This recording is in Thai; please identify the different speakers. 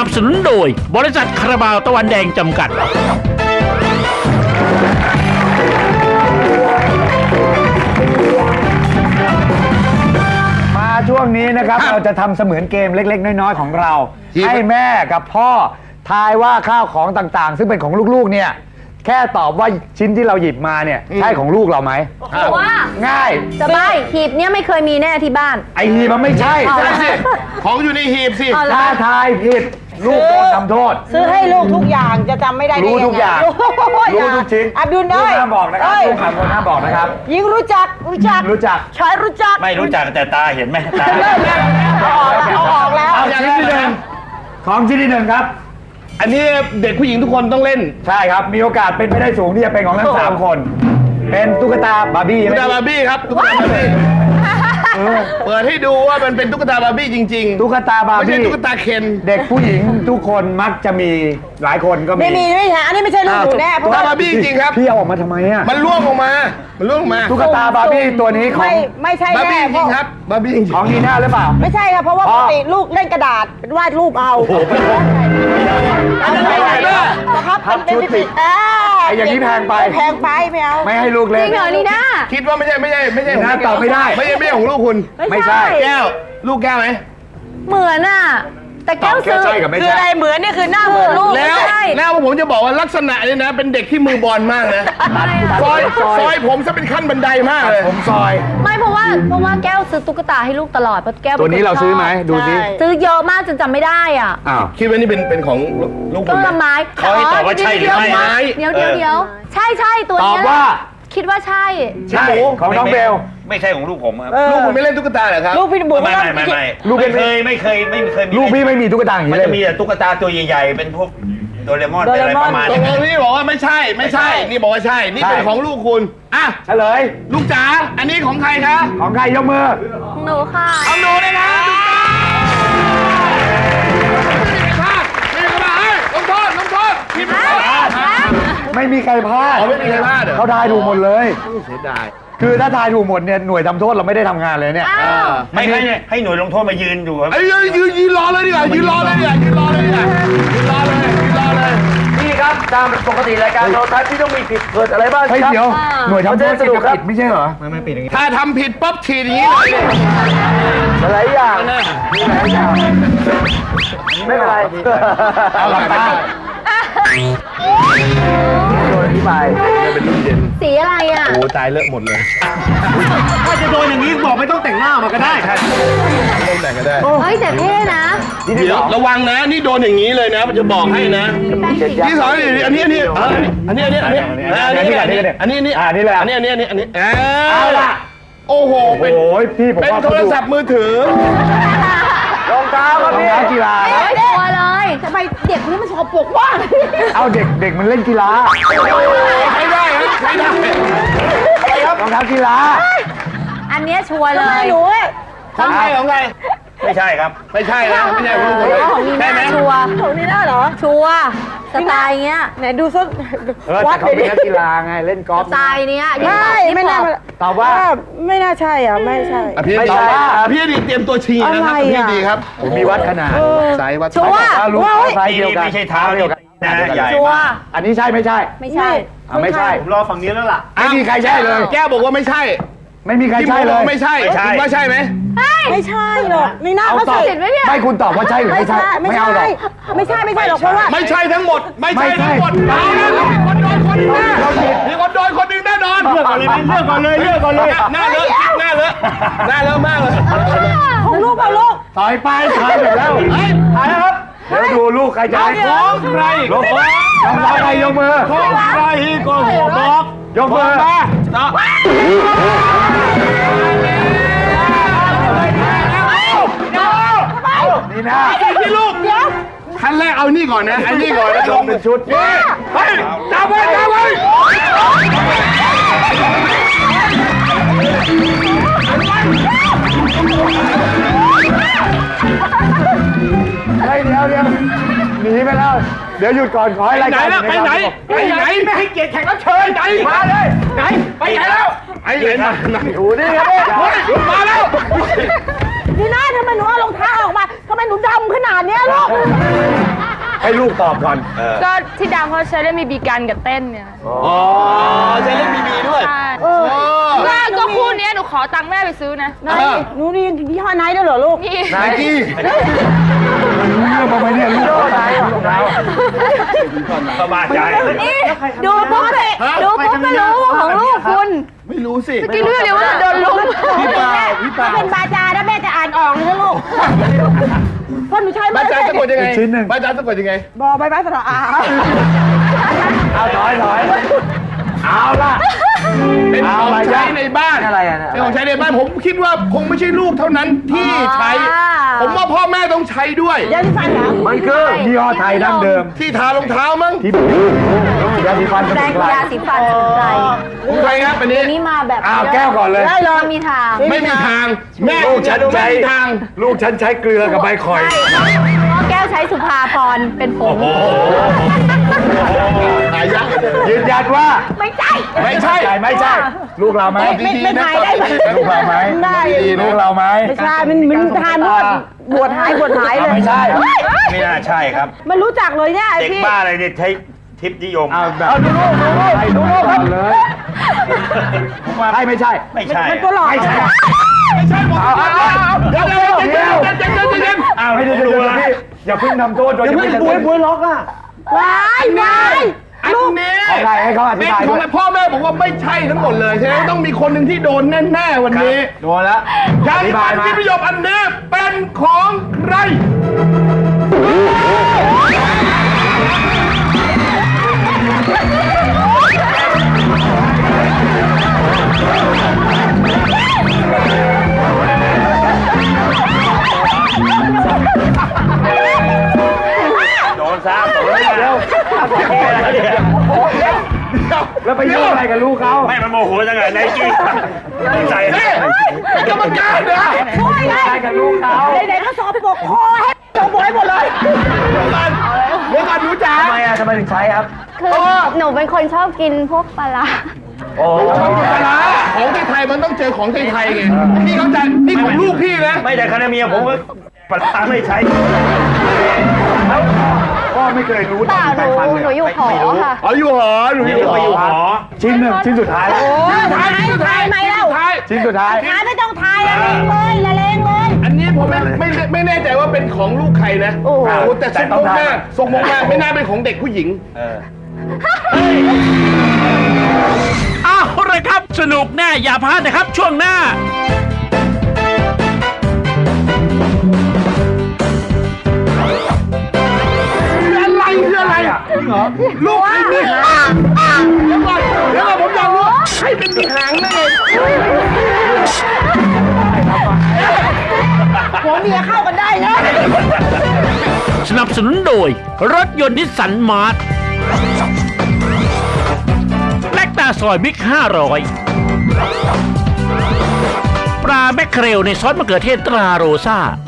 Speaker 1: บสนุนโดยบริษัทคาราบาวตะวันแดงจำกัด
Speaker 2: มาช่วงนี้นะครับเราจะทำเสมือนเกมเล็กๆน้อยๆของเราให้แม่กับพ่อทายว่าข้าวของต่างๆซึ่งเป็นของลูกๆเนี่ยแค่ตอบว่าชิ้นที่เราหยิบมาเนี่ยใช่ของลูกเราไหม
Speaker 3: ว่า
Speaker 2: ง่าย
Speaker 3: สบายหีบเนี้ยไม่เคยมีแน่ที่บ้าน
Speaker 2: ไอหีบมันไม่ใช่
Speaker 4: ของอยู่ในหีบสิ
Speaker 2: ถ้าทายผิดลูกโดนทำโทษ
Speaker 5: ซื้อให้ลูกทุกอย่างจะจำไม่ได้ได้ยังไง
Speaker 2: รู้ทุกอย่างรู้ทุกชิ้น
Speaker 5: อับดุลเอ้ย
Speaker 2: ห้ามบอกนะครับลูกห้ามบอกนะครับ
Speaker 5: ยิงรู้จักชายรู้จัก
Speaker 1: ไม่รู้จักแต่ตาเห็นไหมตา
Speaker 5: เอาออกแล้ว
Speaker 2: เอาชิ้นที่หนึ่งของชิ้นที่หนึ่งครับ
Speaker 4: อันนี้เด็กผู้หญิงทุกคนต้องเล่น
Speaker 2: ใช่ครับมีโอกาสเป็นไปได้สูงที่จะเป็นของทั้ง3 คนเป็นตุ๊กตาบาร์บี้
Speaker 4: ตุ๊กตาบาร์บี้ครับตุ๊กตาบาร์บี้เปิดให้ดูว่ามันเป็นตุ๊กตาบาร์บี้จริงๆ
Speaker 2: ตุ๊กตาบาร์บี้
Speaker 4: ไม่ใช่ตุ๊กตาเคน
Speaker 2: เด็กผู้หญิงทุกคนมักจะมีหลายคนก็มี
Speaker 5: ไม่ใช่อันนี้ไม่ใช่ลูกหนูแน่เพราะว่า
Speaker 4: บาร์บี้จริงครับ
Speaker 2: พี่เอาออกมาทำไมอ่ะ
Speaker 4: มันล่วงออกมา
Speaker 2: ตุ๊กตาบาร์บี้ตัวนี้ของ
Speaker 5: ไม่ใช่
Speaker 4: บาร์บี้จริงครับบาร์บี้จริง
Speaker 2: ของนีน่าหรือเปล่า
Speaker 5: ไม่ใช่ครับเพราะว่าปกติลูกเล่นกระดาษเป็นวาดรูปเอา
Speaker 2: ครับชุดติดไอ้อย่างนี้แพงไป
Speaker 5: ไม่เอา
Speaker 2: ไม่ให้ลูกเล่น
Speaker 3: จริงเหรอนี่นะ
Speaker 4: คิดว่าไม่ใช่
Speaker 2: น่าตอบไม่ได้
Speaker 4: ไม่ใช่ของลูกคุณ
Speaker 2: ไม่ใช่
Speaker 4: แก้วลูกแก้วไหม
Speaker 3: เหมือนอ่ะแต่แก้วซื้อ
Speaker 5: คืออะไรเหมือนนี่คือหน้าเหมือนลูก
Speaker 4: แล้วผมจะบอกว่าลักษณะเนี่ยนะเป็นเด็กที่มือบอลมากนะซอยผมซะเป็นขั้นบันไดมากเลย
Speaker 2: ผมซอย
Speaker 3: ไม่เพราะว่าแก้วซื้อตุ๊กตาให้ลูกตลอดเพราะแก้ว
Speaker 2: ตัวนี้เราซื้อไหมดูสิ
Speaker 3: ซื้อเยอะมากจนจำไม่ได้อ่ะ
Speaker 4: คิดว่านี่เป็นของลูกคุณ
Speaker 3: ต้นไม้
Speaker 1: เขาให้ตอบว่าใช่หรือไม่
Speaker 3: เดี๋ยวใช่ตัวนี้
Speaker 2: ตอบว่า
Speaker 3: คิดว่าใช่
Speaker 2: ของน้องเบล
Speaker 1: ไม่ใช่ของลูกผมครับ
Speaker 4: ลูกคุณไม่เล่นตุ๊กตาเหรอครับ
Speaker 5: ลูกพี่บุ๋ม
Speaker 1: ไม่ลูกไม่เคย
Speaker 2: ลูกพี่ไม่มีตุ๊กตาอย่างนี้
Speaker 1: มันจะมีแต่ตุ๊กตาตัวใหญ่ๆเป็นพวกโดเรมอนอะไรประมาณนี้
Speaker 4: นี่บอกว่าไม่ใช่นี่บอกว่าใช่นี่เป็นของลูกคุณอ่ะ
Speaker 2: เฉลย
Speaker 4: ลูกจ๋าอันนี้ของใครคะ
Speaker 2: ของใครยกมือ
Speaker 3: ของหนูค่ะ
Speaker 4: ของหนูเลยนะ
Speaker 2: ไม่มีใครพลาด
Speaker 4: ไม่มีใครพลาด
Speaker 2: เขาทายถูกหมดเลย
Speaker 4: เสียดาย
Speaker 2: คือถ้าทายถูกหมดเนี่ยหน่วยทำโทษเราไม่ได้ทำงานเลยเนี่ย
Speaker 1: ไม่ให้หน่วยลงโทษมายืนอยู่ครับ
Speaker 4: ยืนรอเลยดีกว่ายืนรอเลย
Speaker 2: นี่ครับตามปกติรายการโทรทัศน์ที่ต้องมีผิดเกิดอะไรบ้างครับเดี๋ยวหน่วยทำโทษจะผิดไม่ใช่เหรอ
Speaker 4: ไม่ผิดอย่างนี้ถ้าทำผิดปั๊บฉีดอย่างนี้เลย
Speaker 2: หลายอย่างไม่เป็นไรเอาหลับตาโดนที่ไป
Speaker 4: เป็นรุ่นเย็น
Speaker 3: สีอะไรอ่ะ
Speaker 4: โอ้ตายเลอะหมดเลย
Speaker 2: ถ้าจะโดนอย่างนี้บอกไม่ต้องแต่งหน้ามาก็ได้
Speaker 4: ต้องแต่งก็ได้
Speaker 3: เฮ้ยแต่เท่นะ
Speaker 4: เดี๋ยวระวังนะนี่โดนอย่างนี้เลยนะมันจะบอกให้นะที่สองอันนี้เลย
Speaker 2: เอาล่ะ
Speaker 4: โอ้โหเป็นโทรศัพท์มือถือ
Speaker 2: รองเท้าครับพี่กีฬา
Speaker 3: ตัวเลยทำไมเด็กคนนี้มันชอบปลุกว่าง
Speaker 2: เอาเด็กมันเล่นกีฬา
Speaker 4: ไม่ได้
Speaker 2: รองเท้ากีฬา
Speaker 3: อันนี้ชัวร์เลย
Speaker 5: หนู
Speaker 4: ของใคร
Speaker 1: ไม่ใช่ครับ
Speaker 4: ไม่ใช่นะไม่ใช่ของคน
Speaker 3: ของนีน่าชัวร์
Speaker 5: ของนีน่าเหรอ
Speaker 3: ชัวร์สไตล์เงี้ย
Speaker 5: ไหนดูซุ
Speaker 2: วัดเขาเป็นนักกีฬาไงเล่นกอล์ฟ
Speaker 3: สไตล์เนี้ย
Speaker 5: ไม่น่า
Speaker 2: ตอบว่า
Speaker 5: ไม่น่าใช่อ่ะไม่ใช่
Speaker 4: พี่ตอบว่าพี่ดีเตรียมตัวชี้นะครับพี่ดีครับ
Speaker 2: ผมมีวัดขนาด
Speaker 4: สายวัด
Speaker 3: ชัวร์
Speaker 2: รู้ไซส์เดียวกัน
Speaker 1: ไม่ใช่เท้าเดียวกันนะใหญ่
Speaker 3: ชัวร์
Speaker 2: อันนี้ใช่ไม่ใช่
Speaker 3: ไม่ใช่
Speaker 1: ผมรอฝั่งนี้แล้วล่ะ
Speaker 2: ไม่มีใครใช่เลย
Speaker 4: แก้บอกว่าไม่ใช่
Speaker 2: ไม่มีใครใช่เลย
Speaker 4: ไม่ใช่คุณว่าใช่ไหม
Speaker 5: ไม่ใช่หรอกนี่น่าเขาใส่
Speaker 2: ไม่คุณตอบว่าใช่หรือไม่ใช่ไม่เอาหรอก
Speaker 5: ไม่ใช่หรอกเพราะว่า
Speaker 4: ไม่ใช่ทั้งหมดมีคนโดนคนหนึ่งแน่นอน
Speaker 1: เลือกก่อนเลย
Speaker 4: หน้าเลอะมากเลย
Speaker 5: ของลูก
Speaker 2: ถอยไปถอยแล้วถอยครับเดี๋ยวดูลูกใครจะ
Speaker 4: ของใคร
Speaker 2: ของใครยกมือ
Speaker 4: ของใครก็หัวบอก
Speaker 2: ยกมือนี่นะ
Speaker 4: พี่ลูกขั้นแรกเอานี่ก่อนนะไอ้นี่ก่อนแล้วลง
Speaker 2: เป็นชุด
Speaker 4: เฮ้ยจับไว้
Speaker 2: เดี๋ยวหนีไปแล้วเดี๋ยวหยุดก่อนขอให้รายการ
Speaker 4: ไปไหนไม่ให้เกียรติแขกรับเชิญไหนมาเลยไหนไปไหนแล้วไอ้ไหน
Speaker 2: ดูนี่ไง
Speaker 4: มาแล้ว
Speaker 5: นี่น่าทำไมหนูเอารองเท้าออกมาทำไมหนูดำขนาดนี้ลูก
Speaker 2: ลูกตอบก่อน
Speaker 6: ก็ที่ดังเพราะใช้เล่นมีบีกันกับเต้นเนี่ย
Speaker 1: อ๋อใช้เล่นบีบีด้วย
Speaker 6: ใช่ก็คู่เนี้ยหนูขอตังค์แม่ไปซื้อนะ
Speaker 5: หนูนี่ยี่ห้อไนท์ด้วยเหรอลูก
Speaker 6: นี่
Speaker 4: ไนกี้
Speaker 2: เรื่องมาไหมเนี่ยลูกเรา
Speaker 1: สบายใจ
Speaker 3: ดูปุ๊บเลยดูปุ๊บก็รู้ว่าของลูกคุณ
Speaker 4: ไม่รู้สิ
Speaker 6: เมื่อกี้รู้เลยว่าโดนลุม
Speaker 4: พี่เปล่า
Speaker 5: ถ้าเป็นบาจาแล้วแม่จะอ่านออกเลยนะลูกเพราะหนูใช้
Speaker 4: บ้า
Speaker 5: ไม่
Speaker 4: จา
Speaker 5: ได้
Speaker 4: สะกดยังไง
Speaker 2: ชิ้นหนึ่ง
Speaker 4: บ้าจาสะกดยังไง
Speaker 5: บอใบไม้สระอา
Speaker 2: เอาถอยเอาล่ะ
Speaker 4: เป็นของ
Speaker 2: อะไร
Speaker 4: ใช้
Speaker 2: จ๊ะ
Speaker 4: ในบ้าน
Speaker 2: อะไรอ่ะ
Speaker 4: เป็นของใช้ในบ้านผมคิดว่าคงไม่ใช่ลูกเท่านั้นที่ใช้ ผมว่าพ่อแม่ต้องใช้ด้วย
Speaker 5: ยาสีฟันเหรอ
Speaker 2: มันคือยี่ห้อไทยดั้งเดิม
Speaker 4: ที่ทารองเท้ามั้ง
Speaker 2: ที่ยาสีฟันส
Speaker 3: แปร
Speaker 2: มุน
Speaker 3: ง
Speaker 2: ไพร
Speaker 3: ยาสีฟันสมุนไพร
Speaker 4: ใครครับอันนี้
Speaker 3: อันนี้มาแบบ
Speaker 2: อ้าวแก้วก่อนเลย
Speaker 5: ได้เลย
Speaker 3: ไม่มีทาง
Speaker 4: ไม่มีทาง แม่
Speaker 2: ลูกฉัน
Speaker 4: ไม่
Speaker 2: ใช้
Speaker 4: มีทาง
Speaker 2: ลูกฉันใช้เกลือกับใบข่อย
Speaker 3: เพราะแก้วใช้สุภาพรเป็นผง
Speaker 4: หายาก
Speaker 2: ยืนยันว่า
Speaker 3: ไม่ใช่
Speaker 4: ไม่ใช่
Speaker 2: ไม่ใช่ ลูกเราไหม
Speaker 5: ไม่ทายได้ไหม
Speaker 2: ลูกเราไหม
Speaker 5: ได้
Speaker 2: ลูกเราไหม
Speaker 5: ไม่ใช่มันทานนวดบวชหายเลย
Speaker 2: ไม่ใช่
Speaker 1: ไม่น่าใช่ครับ
Speaker 5: มันรู้จักเลยเนี่ย
Speaker 1: เด็ก
Speaker 5: พี่
Speaker 1: บ้าอะไรเนี่ยใช้ทิปนิยม
Speaker 2: เอาแบบดูลูกครับเลยใช่ไม่ใช่
Speaker 1: ไม่ใช่
Speaker 5: มันตัวหลอก
Speaker 2: ไม่ใช่
Speaker 4: ไม่ใช่หมดเดี๋ยว
Speaker 2: อ้าวไม่ได้ดูเลยพี่อย่าเพิ่งทำโทษโดยยังไม่ได้บุ้ยล็อกอ่ะ
Speaker 5: ว้ายว้าย
Speaker 4: อันนี้
Speaker 2: ของใครให้เขาอธิ
Speaker 4: เป็น
Speaker 2: บาย
Speaker 4: ข
Speaker 2: ด้
Speaker 4: อง
Speaker 2: วย
Speaker 4: พ่อแม่บอกว่าไม่ใช่ทั้งหมดเลยใช่ไหมต้องมีคนหนึ่งที่โดนแน่ๆวันนี้
Speaker 2: โดนแล้ว
Speaker 4: ยาสีฟันที่ประโยชน์อันนี้เป็นของใคร
Speaker 1: โดนซ้ำโดนแล้ว
Speaker 2: แล้วไปยุ่งอะไรกับลูกเขา
Speaker 1: ไม่มันโมโหจังไงไนกี้ใส่
Speaker 4: นี่กรรมการเหรอ
Speaker 5: ช่วยไง
Speaker 2: อะไรกับลูกเขา
Speaker 5: ไหนๆก็สอบปกคอให้สอบปกให้หมดเลย
Speaker 4: เดี๋ยวก่อนหนูจ๋า
Speaker 2: ทำไมถึงใช้ครับ
Speaker 3: คือหนูเป็นคนชอบกินพวกปลาร้า
Speaker 2: โอ้
Speaker 4: ชอบกินปลาร้าของไทยๆมันต้องเจอของไทยๆไงพี่เข้าใจนี่ของลูกพี่นะ
Speaker 1: ไม่แต่คณะเมียผมก็ปลาร้าไม่ใช้
Speaker 2: พ่อไม่เคยรู้
Speaker 3: เปล่าห
Speaker 2: แต่
Speaker 3: นู
Speaker 2: ฟันเลย
Speaker 3: หนูอยู่หอค่ะ
Speaker 4: อ๋ออยู่หอหนู
Speaker 1: นี่
Speaker 4: อยู่ห
Speaker 1: ก็
Speaker 4: อ
Speaker 1: อยู่หอ
Speaker 2: ชิ้นหนึ่งชิ้นสุดท้ายแล้ว
Speaker 4: ท้ายสุดท้าย
Speaker 5: ทำไมเล่า
Speaker 4: ท้าย
Speaker 2: ชิ้นสุดท้าย
Speaker 5: ทายไม่ต้องทายละเลงเลยละเลงเลย
Speaker 4: อันนี้ผมไม่แน่ใจว่าเป็นของลูกใครนะโอ้โหแต่ทรงมากทรงมากไม่น่าเป็นของเด็กผู้หญิง
Speaker 7: เอาเลยครับ สนุกแน่อย่าพลาดนะครับ ช่วงหน้า
Speaker 4: อะไรคืออะไรอ่ะลูกใครมีหางเดี๋ยวก่อนผมอยากรู้ใครเป็นมีหางได้ไง
Speaker 5: หัวเมียเข้ากันได้นะ
Speaker 7: สนับสนุนโดย รถยนต์นิสสันมาร์ทแลกตาซอยบิ๊ก500 ปลาแมคเคเรลในซอสมะเขือเทศตราโรซ่า